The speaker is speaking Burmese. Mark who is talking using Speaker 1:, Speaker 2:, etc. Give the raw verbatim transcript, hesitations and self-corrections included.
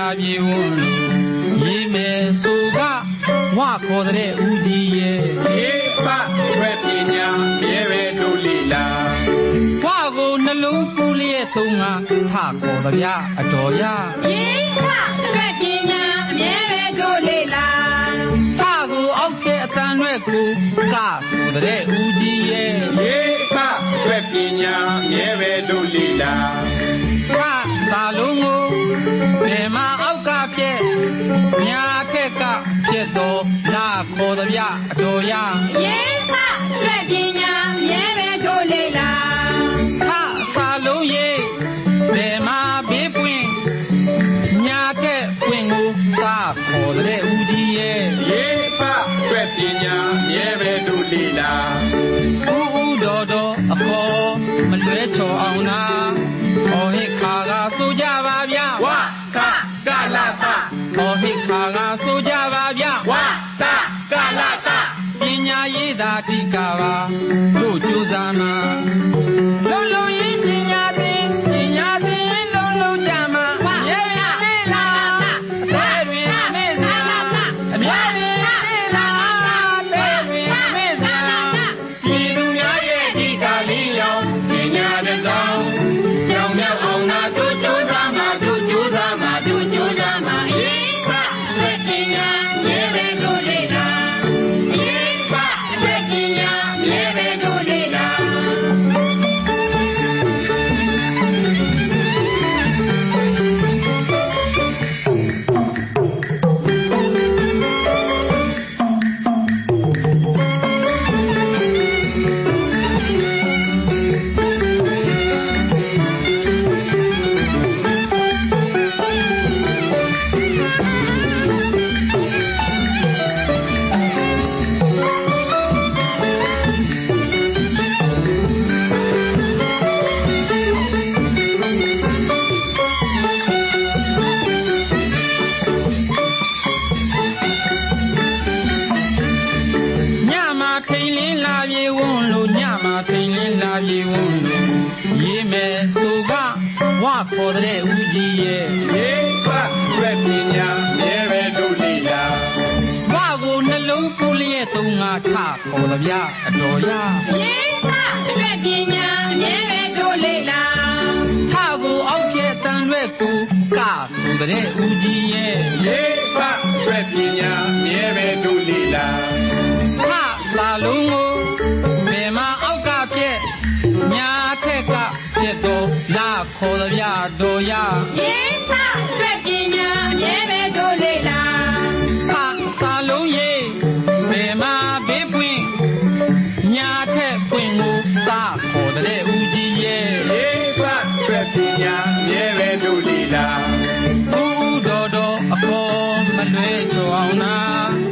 Speaker 1: လာပြေဝွန်းလို့ရေမယ်ဆိုကဝါခေါ်တဲ့ဦးကြီးရဲ့
Speaker 2: ရေပရွက်ပညာမြဲပဲတို့လီလာ
Speaker 1: ဝါကိုနှလုံးပူလျက်သုံးငါထခေါ်ကြဗျအတော်ရ
Speaker 3: ရေပရွက်ပညာမြဲပဲတို့လီလာ
Speaker 1: ထကိုအောက်တဲ့အတန်ရွက်ကိုကဆိုတဲ့ဦးကြီးရဲ့
Speaker 2: ရေပရွက်ပညာမြဲပဲတို့လီလာ
Speaker 1: ကစာလုံးကိုဘယ်မှာအောက်ကပြက်ညာခက်ကပြက်တော်လာခေါ်ကြဗျအတော်ရ
Speaker 3: ရေပရွက်ပညာမြဲပဲတို့လီလာ
Speaker 1: ခစာလုံးရဲ့ဘယ်မှာဘေးပွင့်ညာခက်ပွင့်ကိုကခေါ်တဲ့ဦးကြီးရဲ့
Speaker 2: ရေပရွက်ပညာမြဲပဲတို့လီလာ
Speaker 1: ဦးဦးတော်တော်အခေါ်မလွဲချော်အောင်နာဟောဟိခါကဆိုကြပါဗျာ
Speaker 2: ဝကကလတ
Speaker 1: ဟောဟိခါကဆိုကြပါဗျာ
Speaker 2: ဝကကလတ
Speaker 1: ပညာရေးသာတိကပါတို့ကြိုးစားမှာလုံးလုံးရေးပညာသင်ပညာသင်လုံးလုံးကြမှာရဲရလေးလာအသေးတွင်မေ့စရာအမြဲတမ်းလေးလာအသေးတွင်မေ့စရာ
Speaker 2: ပြည်သူများရဲ့ဒီကလေးရောင်ပညာတစ်စောင်းကြောင်မြောက်အောင်သာတို့ကြိုးစားမှာတို့ကြိုးစားမှာတို့ကြိုးစားမှာရေပရွက်ပညာမြဲပဲတို့လီလာရေပရွက်ပညာမြဲပဲတို့လီလာ
Speaker 1: ညမှာထိန်လင်းလာပြေဝွန်းလို့ညမှာထိန်လင်းလာပြေဝွန်းလို့ရေးမယ်ဆိုကဝါခေါ်တဲ့ဦးကြီးရဲ့
Speaker 2: ရေပရွက်ပညာမြဲပဲတို့လီလာ
Speaker 1: ဝါကိုနှလုံးပူလျက်သုံးငါထခေါ်ကြဗျအတော်ရ
Speaker 3: ရေပရွက်ပညာမြဲပဲတို့လီလာ
Speaker 1: ထကိုအောက်ပြက်တန်ရွက်ကိုကဆိုတဲ့ဦးကြီးရဲ့
Speaker 2: ရေပရွက်ပညာမြဲပဲတို့လီလာ
Speaker 1: ခစာလုံးကိုဘယ်မှာအောက်ကပြက်ညာခက်ကပြက်တော်လာခေါ်ကြဗျတော်ရ
Speaker 3: ရေပရွက်ပညာမြဲပဲတို့လီလာ
Speaker 1: ခစာလုံးရဲ့ဘယ်မှာဘေးပွင့်ညာထက်ပွင့်ကိုကခေါ်တဲ့ဦးကြီးရဲ့
Speaker 2: ရေပရွက်ပညာမြဲပဲတို့လီလာ
Speaker 1: ဦးတော်တော်အခေါ်မလွဲချော်အောင်နာ